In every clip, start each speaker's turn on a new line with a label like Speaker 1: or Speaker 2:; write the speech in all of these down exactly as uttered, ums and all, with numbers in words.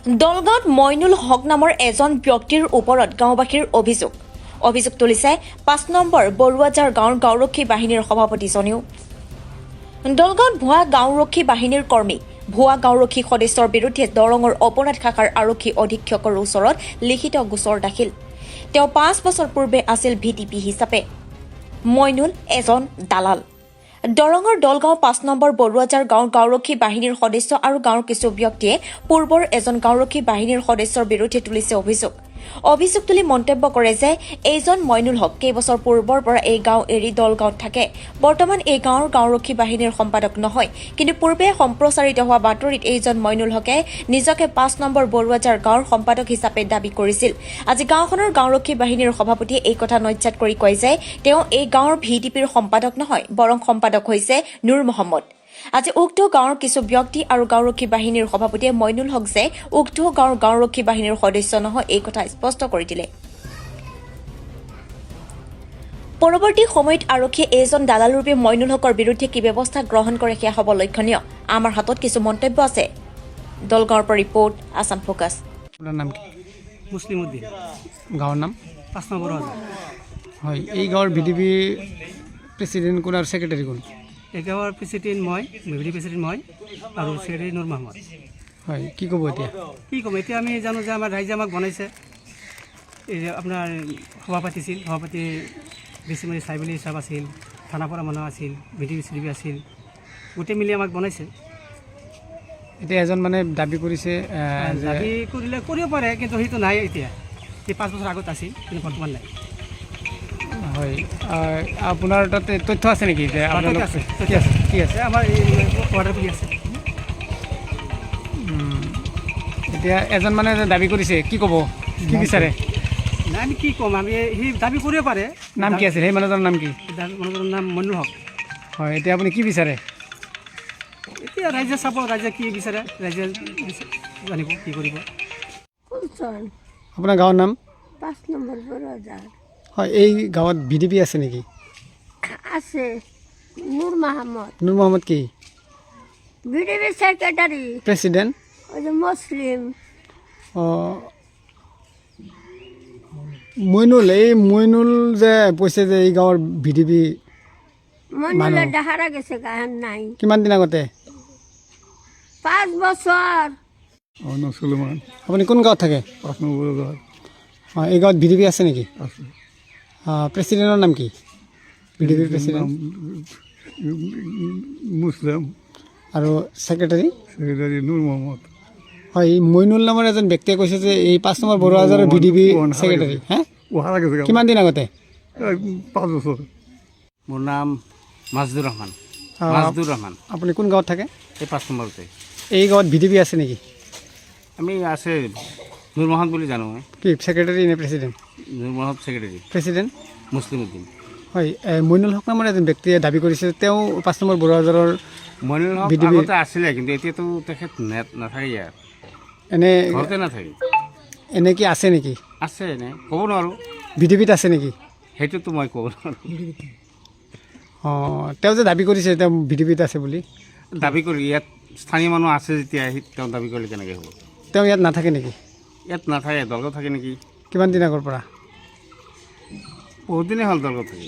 Speaker 1: দলগাঁৱত মইনুল হক নামৰ এজন ব্যক্তিৰ ওপৰত গাঁওবাসীৰ অভিযোগ অভিযোগ তুলিছে পাঁচ নম্বৰ বৰুৱাজাৰ গাঁৱৰ গাঁওৰক্ষী বাহিনীৰ সভাপতিজনেও। দলগাঁৱত ভুৱা গাঁওৰক্ষী বাহিনীৰ কৰ্মী ভুৱা গাঁওৰক্ষী সদস্যৰ বিৰুদ্ধে দৰঙৰ অপৰাধ শাখাৰ আৰক্ষী অধীক্ষকৰ ওচৰত লিখিত গোচৰ দাখিল। তেওঁ পাঁচ বছৰ পূৰ্বে আছিল ভি টি পি হিচাপে। মইনুল এজন দালাল। দৰঙৰ দলগাঁও পাঁচ নম্বৰ বৰুৱাজাৰ গাঁৱৰ গাঁওৰক্ষী বাহিনীৰ সদস্য আৰু গাঁৱৰ কিছু ব্যক্তিয়ে পূৰ্বৰ এজন গাঁওৰক্ষী বাহিনীৰ সদস্যৰ বিৰুদ্ধে তুলিছে অভিযোগ অভিযোগ তুলি মন্তব্য কৰে যে এইজন মইনুল হক কেইবছৰ পূৰ্বৰ পৰা এই গাঁও এৰি দলগাঁৱত থাকে। বৰ্তমান এই গাঁৱৰ গাঁওৰক্ষী বাহিনীৰ সম্পাদক নহয়, কিন্তু পূৰ্বে সম্প্ৰচাৰিত হোৱা বাতৰিত এইজন মইনুল হকে নিজকে পাঁচ নম্বৰ বৰুৱাজাৰ গাঁৱৰ সম্পাদক হিচাপে দাবী কৰিছিল। আজি গাঁওখনৰ গাঁওৰক্ষী বাহিনীৰ সভাপতিয়ে এই কথা নজ্যাত কৰি কয় যে তেওঁ এই গাঁৱৰ ভি ডি পিৰ সম্পাদক নহয়, বৰং সম্পাদক হৈছে নুৰ মহম্মদ। আজি উক্ত গাঁৱৰ কিছু ব্যক্তি আৰু গাঁওৰক্ষী বাহিনীৰ সভাপতিয়ে মইনুল হক যে উক্ত গাঁৱৰ গাঁওৰক্ষী বাহিনীৰ সদস্য নহয় এই কথা স্পষ্ট কৰি দিলে। পৰৱৰ্তী সময়ত আৰক্ষীয়ে এইজন দালালৰূপে মইনুল হকৰ বিৰুদ্ধে কি ব্যৱস্থা গ্ৰহণ কৰে সেয়া হ'ব লক্ষণীয়। আমাৰ হাতত কিছু মন্তব্য আছে। দলগাঁৱৰ পৰা ৰিপৰ্ট, আছাম ফোকাছ।
Speaker 2: আপোনাৰ নাম কি?
Speaker 3: মুছলিম উদ্দিন,
Speaker 2: গাঁৱৰ নাম?
Speaker 3: পাঁচ নম্বৰ বৰুৱাজাৰ।
Speaker 2: হয়, এই গাঁৱৰ ভি ডি পি প্ৰেচিডেণ্ট কোন আৰু ছেক্ৰেটাৰী কোন?
Speaker 3: এই গাঁৱৰ প্ৰেচিডেণ্ট মই, মেভৰি প্ৰেচিডেণ্ট মই আৰু ছেক্ৰেটাৰী নুৰ মহম্মদ।
Speaker 2: হয়, কি ক'ব এতিয়া?
Speaker 3: কি ক'ম, এতিয়া আমি জানো যে আমাৰ ৰাইজে আমাক বনাইছে। এই যে আপোনাৰ সভা পাতিছিল, সভা পাতি বেছিমাৰি চাইবেলি হিচাপ আছিল, থানাপৰা মানুহ আছিল, V D P C D P আছিল, গোটেই মিলি আমাক বনাইছে।
Speaker 2: এতিয়া এজন মানে দাবী কৰিছে যে
Speaker 3: দাবী কৰিলে কৰিব পাৰে, কিন্তু সেইটো নাই এতিয়া। এই পাঁচ বছৰ আগত আছিল, কিন্তু বৰ্তমান নাই।
Speaker 2: হয়, আপোনাৰ তাতে তথ্য আছে নেকি যে আপোনালোক
Speaker 3: আছে,
Speaker 2: কি আছে কি আছে?
Speaker 3: আমাৰ এই অৰ্ডাৰ কৰি আছে।
Speaker 2: এতিয়া এজন মানে দাবী কৰিছে, কি ক'ব, কি বিচাৰে?
Speaker 3: নাই, আমি কি ক'ম, আমি সি দাবী কৰিব পাৰে।
Speaker 2: নাম কি আছিল সেই মানুহজনৰ নাম কি?
Speaker 3: দাবী মানুহজনৰ নাম মইনুল হক।
Speaker 2: হয়, এতিয়া আপুনি কি বিচাৰে?
Speaker 3: এতিয়া ৰাইজে চাব, ৰাইজে কি বিচাৰে, ৰাইজে জানিব কি কৰিব।
Speaker 2: আপোনাৰ গাঁৱৰ নাম?
Speaker 4: পাঁচ নম্বৰ বৰুৱাজাৰ।
Speaker 2: হয়, এই গাঁৱত ভি ডি পি আছে নেকি?
Speaker 4: আছে নুৰ মহম্মদ,
Speaker 2: নুৰ মহম্মদ কি
Speaker 4: V D P secretary,
Speaker 2: president?
Speaker 4: ওই যে মুসলিম।
Speaker 2: অঁ, মইনুল, এই মইনুল যে কৈছে যে এই গাঁৱৰ ভি ডি পি
Speaker 4: মইনুলে ডাহারা গেছে গাহান নাই।
Speaker 2: কিমান দিন আগতে?
Speaker 4: পাঁচ বছর।
Speaker 2: অঁ, নচলমান। আপুনি কোন গাঁৱত থাকে? পাঁচ নম্বৰ গাঁৱত। অঁ, এই গাঁৱত ভি ডি পি আছে নেকি? আছে। প্ৰেচিডেণ্টৰ নাম কি? ভি ডি পিৰ প্ৰেচিডেণ্ট
Speaker 5: মুছলিম
Speaker 2: আৰু ছেক্ৰেটাৰী?
Speaker 5: ছেক্ৰেটাৰী নুৰ মহম্মদ।
Speaker 2: হয়, এই মইনুল নামৰ এজন ব্যক্তিয়ে কৈছে যে এই পাঁচ নম্বৰ বৰুৱাজাৰৰ ভি ডি পি ছেক্ৰেটাৰী। হে, কিমান দিন আগতে?
Speaker 5: পাঁচ বছৰ।
Speaker 3: মোৰ নাম মাজদুৰ ৰহমান, মাজদুৰ ৰহমান।
Speaker 2: আপুনি কোন গাঁৱত থাকে?
Speaker 3: এই পাঁচ নম্বৰতে।
Speaker 2: এই গাঁৱত ভি ডি পি আছে নেকি?
Speaker 3: আমি আছে নুৰ মহম্মদ বুলি জানো। মই
Speaker 2: কি ছেক্ৰেটাৰী নে president?
Speaker 3: Nur Mohammad secretary,
Speaker 2: president
Speaker 3: Muslim Uddin.
Speaker 2: হয়, মইনুল হক নামৰ এজন ব্যক্তিয়ে দাবী কৰিছে তেওঁ পাঁচ নম্বৰ বৰুৱাজাৰৰ
Speaker 3: Moinul Haque
Speaker 2: V D P
Speaker 3: আগতে আছিলে, কিন্তু এতিয়াতো তেখেত নেট নাথাকে, ইয়াত
Speaker 2: এনে
Speaker 3: ঘৰতে নাথাকে।
Speaker 2: এনে কি আছে নেকি?
Speaker 3: আছে, এনে ক'ব নোৱাৰোঁ।
Speaker 2: ভি ডি পিত আছে নেকি?
Speaker 3: সেইটোতো মই ক'ব নোৱাৰোঁ।
Speaker 2: অঁ, তেওঁ যে দাবী কৰিছে তেওঁ ভি ডি পিত আছে বুলি,
Speaker 3: দাবী কৰি ইয়াত স্থানীয় মানুহ আছে যেতিয়া সি তেওঁ দাবী কৰিলে কেনেকৈ হ'ব?
Speaker 2: তেওঁ ইয়াত নাথাকে নেকি?
Speaker 3: ইয়াত নাথাকে, দলগাঁও থাকে নেকি?
Speaker 2: কিমান দিন আগৰ পৰা?
Speaker 3: বহুত দিনেই হ'ল দলগাঁও থাকে।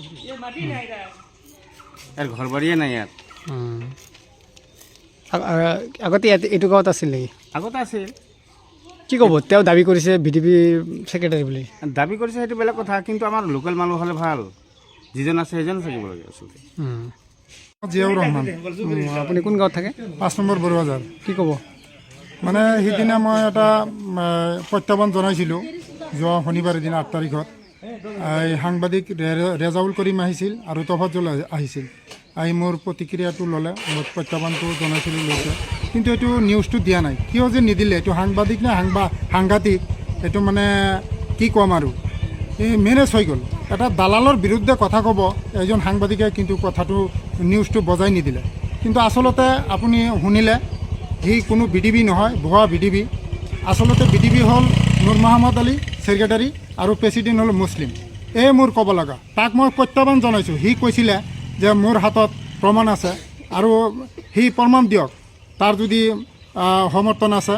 Speaker 3: ইয়াৰ ঘৰ বাৰীয়ে নাই ইয়াত।
Speaker 2: উম। আ- আ- আগতে ইয়াত এইটো গাঁৱত আছিল নেকি?
Speaker 3: আগতে আছিল।
Speaker 2: কি ক'ব, তেওঁ দাবী কৰিছে ভি ডি পি ছেক্ৰেটাৰী বুলি?
Speaker 3: দাবী কৰিছে সেইটো বেলেগ কথা, কিন্তু আমাৰ লোকেল মানুহ হ'লে ভাল। যিজন আছে সেইজন থাকিব লাগে আচলতে।
Speaker 2: উম।
Speaker 5: জিয়াউৰ ৰহমান,
Speaker 2: উম, আপুনি কোন গাঁৱত থাকে?
Speaker 5: পাঁচ নম্বৰ বৰুৱাজাৰ।
Speaker 2: কি ক'ব?
Speaker 5: মানে সিদিনা মই এটা উম, প্ৰত্যাহ্বান জনাইছিলোঁ যোৱা শনিবাৰৰ দিনা আঠ তাৰিখত। এই সাংবাদিক ৰে- ৰেজাউল কৰিম আহিছিল আৰু তফাজ্জল আহি- আহিছিল। আহি মোৰ প্ৰতিক্ৰিয়াটো ল'লে, মোৰ প্ৰত্যাহ্বানটো জনাইছিলোঁ লৈছে, কিন্তু এইটো নিউজটো দিয়া নাই। কিয় যে নিদিলে, এইটো সাংবাদিক নে সাংবা সাংঘাতিক, এইটো মানে কি ক'ম আৰু, এই মেনেজ হৈ গ'ল। এটা দালালৰ বিৰুদ্ধে কথা ক'ব এজন সাংবাদিকে, কিন্তু কথাটো নিউজটো বজাই নিদিলে। কিন্তু আচলতে আপুনি শুনিলে সি কোনো বি ডি বি নহয়, ভুৱা বি ডি বি। আচলতে বি ডি বি হ'ল নুৰ মহম্মদ আলী ছেক্ৰেটাৰী আৰু প্ৰেচিডেণ্ট হ'ল মুছলিম। এই মোৰ ক'ব লগা। তাক মই প্ৰত্যাহ্বান জনাইছোঁ। সি কৈছিলে যে মোৰ হাতত প্ৰমাণ আছে আৰু সি প্ৰমাণ দিয়ক, তাৰ যদি সমৰ্থন আছে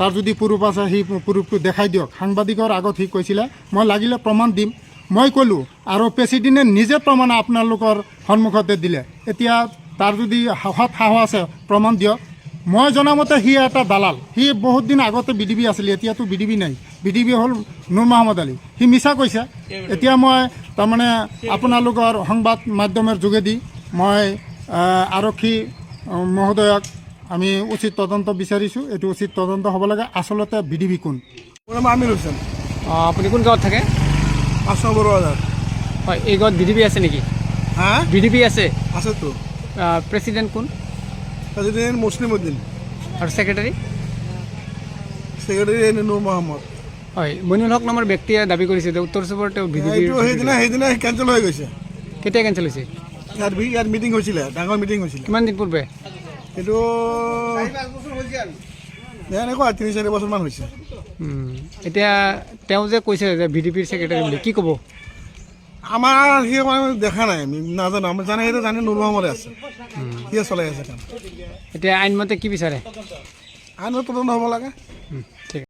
Speaker 5: তাৰ যদি পুৰুষ আছে সেই পুৰুষটো দেখাই দিয়ক। সাংবাদিকৰ আগত সি কৈছিলে মই লাগিলে প্ৰমাণ দিম। মই ক'লোঁ আৰু প্ৰেচিডেণ্টে নিজে প্ৰমাণ আপোনালোকৰ সন্মুখতে দিলে। এতিয়া তাৰ যদি সাহস সাহস আছে প্ৰমাণ দিয়ক। মই জনামতে সি এটা দালাল। সি বহুত দিন আগতে বি ডি বি আছিলে, এতিয়াতো বি ডি বি নাই। বি ডি বি হ'ল নুৰ মহম্মদ আলী। সি মিছা কৈছে। এতিয়া মই তাৰমানে আপোনালোকৰ সংবাদ মাধ্যমৰ যোগেদি মই আৰক্ষী মহোদয়ক আমি উচিত তদন্ত বিচাৰিছোঁ। এইটো উচিত তদন্ত হ'ব লাগে। আচলতে বি ডি বি কোন?
Speaker 6: মোৰ নাম আমিৰ হুছেইন,
Speaker 2: অঁ আপুনি কোন গাঁৱত থাকে?
Speaker 6: পাঁচ নম্বৰ বজাৰ।
Speaker 2: হয়, এই গাঁৱত বি ডি বি আছে নেকি?
Speaker 6: হা
Speaker 2: বি ডি বি আছে?
Speaker 6: আছেতো।
Speaker 2: প্ৰেচিডেণ্ট কোন?
Speaker 6: প্ৰেচিডেণ্ট মুছলিম উদ্দিন,
Speaker 2: আৰু ছেক্ৰেটাৰী?
Speaker 6: ছেক্ৰেটাৰী নুৰ মহম্মদ।
Speaker 2: হয়, মইনুল হক নামৰ ব্যক্তিয়ে দাবী কৰিছে যে উত্তৰ চুবুৰীৰ তেওঁ বি ডি বিৰ
Speaker 6: এইটো সেইদিনা সেইদিনা কেঞ্চেল হৈ গৈছে।
Speaker 2: কেতিয়া কেঞ্চেল হৈছে?
Speaker 6: ইয়াত বি- ইয়াত মিটিং হৈছিলে, ডাঙৰ মিটিং হৈছিলে।
Speaker 2: কিমান দিন পূৰ্বে?
Speaker 6: সেইটো এনেকুৱা তিনি চাৰি বছৰমান হৈছে।
Speaker 2: উম, এতিয়া তেওঁ যে কৈছে যে বি ডি পিৰ ছেক্ৰেটাৰী বুলি, কি ক'ব?
Speaker 6: আমাৰ সি মানে দেখা নাই, আমি নাজানো। আমি জানে সেইটো জানে নুৰ মহম্মদে আছে, সিয়ে চলাই আছে কাম।
Speaker 2: এতিয়া আইনমতে কি বিচাৰে?
Speaker 6: আইনত তদন্ত হ'ব লাগে।
Speaker 2: উম, ঠিক আছে।